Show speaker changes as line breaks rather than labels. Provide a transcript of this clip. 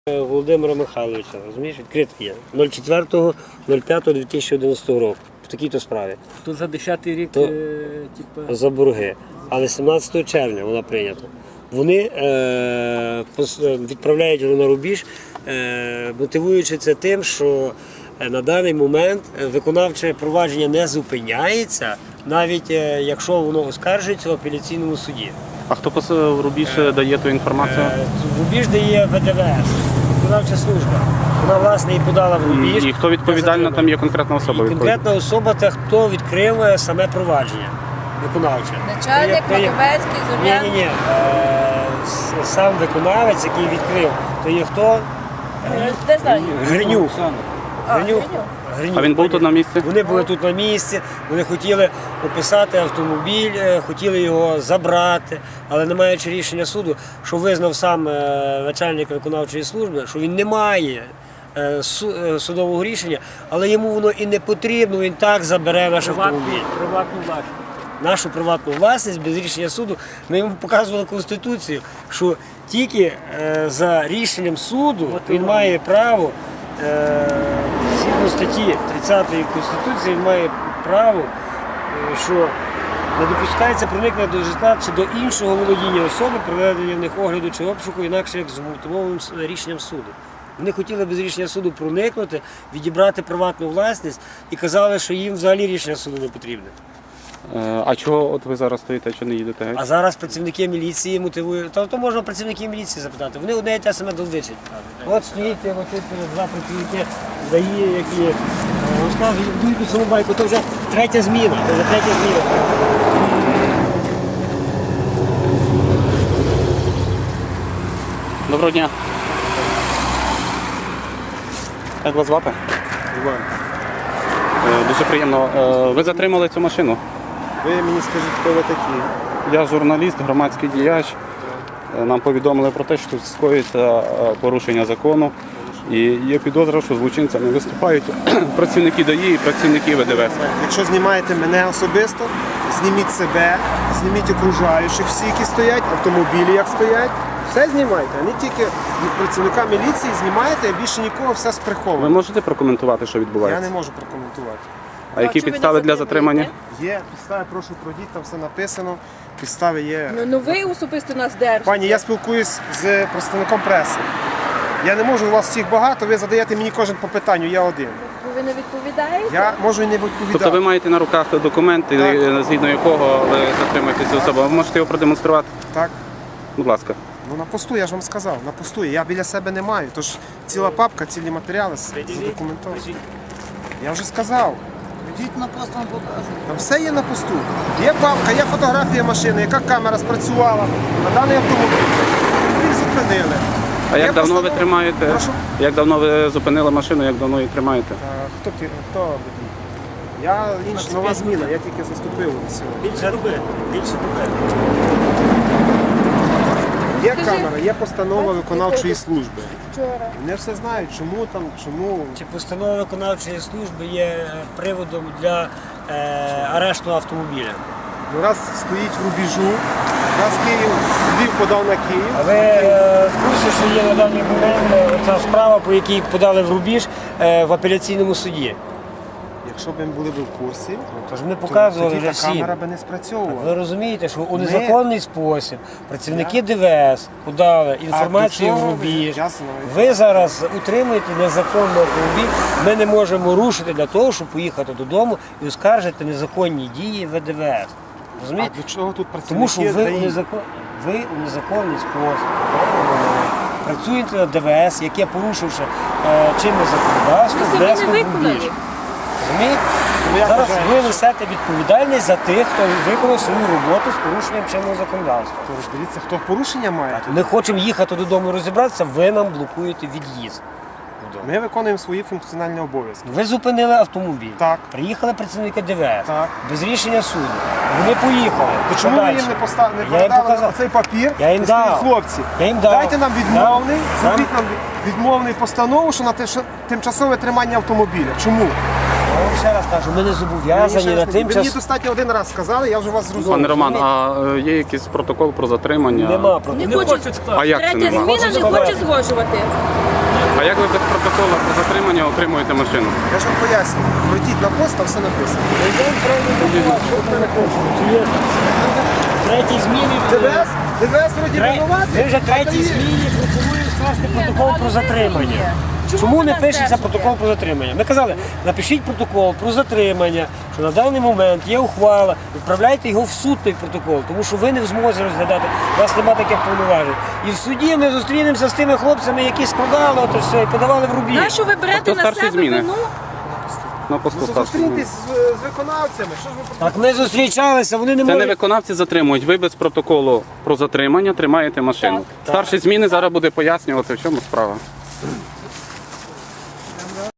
Володимира Михайловича, розумієш, відкритий є. 04.05.2011 року. В такій-то справі.
То за 10-й рік,
За борги. Але 17 червня вона прийнята. Вони відправляють його на рубіж, мотивуючи це тим, що на даний момент виконавче провадження не зупиняється, навіть якщо воно оскаржується в апеляційному суді.
А хто в рубіж дає ту інформацію?
В рубіж дає ВДВС, виконавча служба. Вона, власне, і подала в рубіж.
І хто відповідальна, там є конкретна особа?
І конкретна особа, та хто відкрив саме провадження виконавче.
Начальник Маковецький, Зорян?
Ні. Сам виконавець, який відкрив, то є хто?
Не знаю.
Гринюк.
Гринюк.
А він був тут на місці?
Вони були тут на місці, вони хотіли описати автомобіль, хотіли його забрати, але не маючи рішення суду, що визнав сам начальник виконавчої служби, що він не має судового рішення, але йому воно і не потрібно, він так забере наш автомобіль.
Приватну власність.
Нашу приватну власність без рішення суду. Ми йому показували Конституцію, що тільки за рішенням суду він має право, згідно статті 30 Конституції, він має право, що не допускається проникнення до житла чи до іншого володіння особи, проведення в них огляду чи обшуку, інакше як з мотивованим рішенням суду. Вони хотіли без рішення суду проникнути, відібрати приватну власність і казали, що їм взагалі рішення суду не потрібне.
А чого от ви зараз стоїте, чи не їдете?
А зараз працівники міліції мотивують. То можна працівників міліції запитати. Вони одне і те саме долбичать. От стоїть два працівники ДАІ, які розказують, дують саму байку, то вже третя зміна.
Доброго дня. Як вас звати?
Іван,
Дуже приємно. Ви затримали цю машину?
ви мені скажіть, хто ви такі?
Я журналіст, громадський діяч. Нам повідомили про те, що тут скоїться порушення закону. І є підозра, що злочинцями виступають працівники ДАІ і працівники ВДВС.
Якщо знімаєте мене особисто, зніміть себе, зніміть окружаючих всі, які стоять, автомобілі як стоять. Все знімайте, а не тільки працівника міліції знімаєте, а більше нікого, все
Ви
сприховано.
можете прокоментувати, що
Я
відбувається?
не можу прокоментувати.
А які
чи ви
підстави
не
для затримання?
Є підстави, прошу пройдіть, там все написано, підстави є.
Ну ви особисто нас держите.
Пані, я спілкуюсь з представником преси. Я не можу, у вас всіх багато, ви задаєте мені кожен по питанню, я один.
Ви не відповідаєте?
Я можу і не відповідати.
Тобто ви маєте на руках документ, згідно якого ви затримуєте цю особу. Ви можете його продемонструвати?
Так.
Будь ласка.
Ну на посту, я ж вам сказав, на посту. Я біля себе не маю. Тож ціла папка, цілі матеріали задокументовані. Я вже сказав.
Йдіть на пост, вам покажу.
Там все є на посту. Є папка, є фотографія машини, яка камера спрацювала на даний автомобіль. Їх зупинили.
А як
Є
давно ви
постанова.
тримаєте?
Прошу?
Як давно ви зупинили машину, як давно її тримаєте?
Хто водій? Я нова зміна, я тільки заступив сьогодні.
Більше роби.
Є камера, є постанова виконавчої служби.
Вчора.
Вони все знають, чому.
Чи постанова виконавчої служби є приводом для арешту автомобіля?
Ну, раз стоїть в рубежу, раз Львів подав на Київ.
А ви в курсі, що є на даний момент ця справа, по якій подали в рубіж в апеляційному суді?
Якщо б ми були б в курсі,
Тож ми показували
тоді
вже
та
всім.
камера би не спрацьовувала.
Ви розумієте, що у незаконний спосіб працівники ДВС подали інформацію
до
в
чого
рубіж.
я знаю.
Ви зараз утримуєте незаконний автомобіль. Ми не можемо рушити для того, щоб поїхати додому і оскаржити незаконні дії ВДВС.
А
Розумієте?
для чого тут
Тому що
працівники
ви у
ДАІ?
незаконний спосіб працюєте на ДВС, яке, порушивши чинне законодавство,
Ви себе
внесло
не
в рубіж.
виконали.
Розумієте?
Ну, я
Зараз
вважаю,
ви несете відповідальність за тих, хто виконав свою роботу з порушенням чинного законодавства.
То розберіться, хто порушення має.
Ми хочемо їхати додому і розібратися, ви нам блокуєте від'їзд.
Ми виконуємо свої функціональні обов'язки.
Ви зупинили автомобіль.
Так.
Приїхали працівники ДВС.
Так.
Без рішення суду. Вони поїхали.
То чому ви
Подальше.
їм не
Я їм
передали
показав.
цей папір?
Я їм
і сказали,
дав.
хлопці,
Я їм дав.
дайте нам відмовний,
Нам-
зробіть нам відмовний постанову, що на тимчасове тримання автомобіля. Чому?
Я вам ще раз кажу, ми не
Ви
зобов'язані на
мені
тимчас.
достатньо один раз сказали, я вже вас зрозумів.
Пане Роман, а є якийсь протокол про затримання?
Нема про
Не
Не
хочуть.
хочуть скласти.
А як це
Третя
нема?
зміна не хоче згоджувати.
А як ви без протоколу про затримання отримуєте машину?
Я ж вам пояснюю. Пройдіть на пост, там все написано.
Чи є третій зміни?
ДВС вроді винувати.
Ви вже
а то
третій
є.
зміні пропонуємо скласти протокол про затримання. Чому не пишеться протокол про затримання? Ми казали, напишіть протокол про затримання, що на даний момент є ухвала, відправляйте його в суд той протокол, тому що ви не в змозі розглядати, у вас немає таких повноважень. І в суді ми зустрінемося з тими хлопцями, які складали ото все і подавали в рубіж.
Нащо ви берете
Тобто
на
старші
себе
зміни?
вину?
На посту старшого.
Зустріньтесь з виконавцями. Що ж ви
Так ми зустрічалися, вони не
Це не
можуть.
виконавці затримують. Ви без протоколу про затримання тримаєте машину.
Так.
Старші зміни зараз буде пояснювати, в чому справа.